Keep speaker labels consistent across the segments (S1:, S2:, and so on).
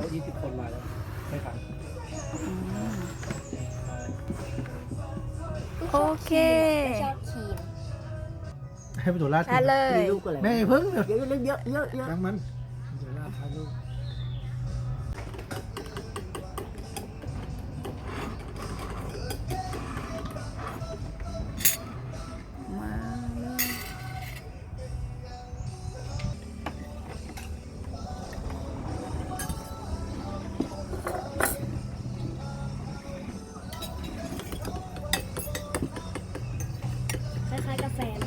S1: 20 คนมาแล้วไม่ทัน
S2: โอเค
S3: ไม่ชอบครีม
S1: ให้ไปตัวลาด
S2: ได้เลย
S3: มีลูกอะไร
S1: แม่เพิ่งเดี๋ยว
S3: เยอะเยอะเยอะเยอะ
S1: ยังมันตัวลาดทาลูก
S2: มาเลย
S3: คล้ายๆกาแฟเลย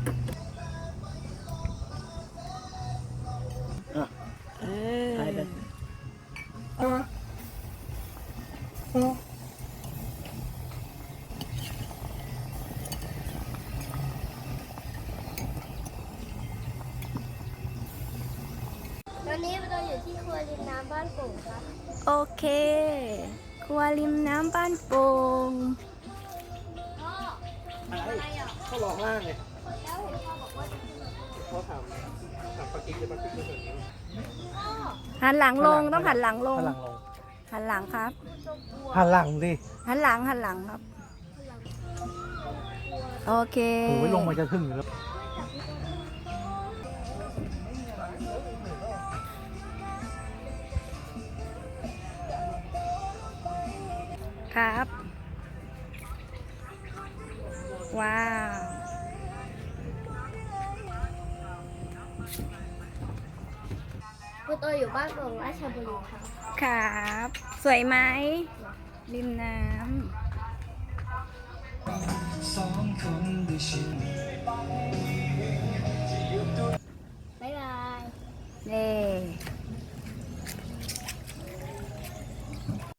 S2: เออ
S3: คล้ายแบบ
S4: ตอนนี้เราอยู่ที่ครัวริมน้ำบ้านโป่งครับ
S2: โอเค ครัวริมน้ำบ้านโป่ง
S4: พ่อ
S1: อะไรเขาลองล่างไง
S4: แล้วเห็นพ่อบอกว่าจะขึ้นมา
S1: เขาถามปากิ๊กจะปากิ๊กจะแบบนี้
S4: พ่อ
S2: หันหลังลงต้องหันหลังลง
S1: หันหลังลง
S2: หันหลังครับ
S4: ตัวกลัว
S1: หันหลังดิ
S2: หันหลังครับ โอเค
S1: โอ้ยลงมาจะถึงอยู่แล้ว
S2: ครับ ว้าว
S4: คุณตัวอยู่บ้านโป่งราชบุรีครับ
S2: ครับ สวยไหม ริมน้
S4: บ๊ายบาย
S2: ำเน่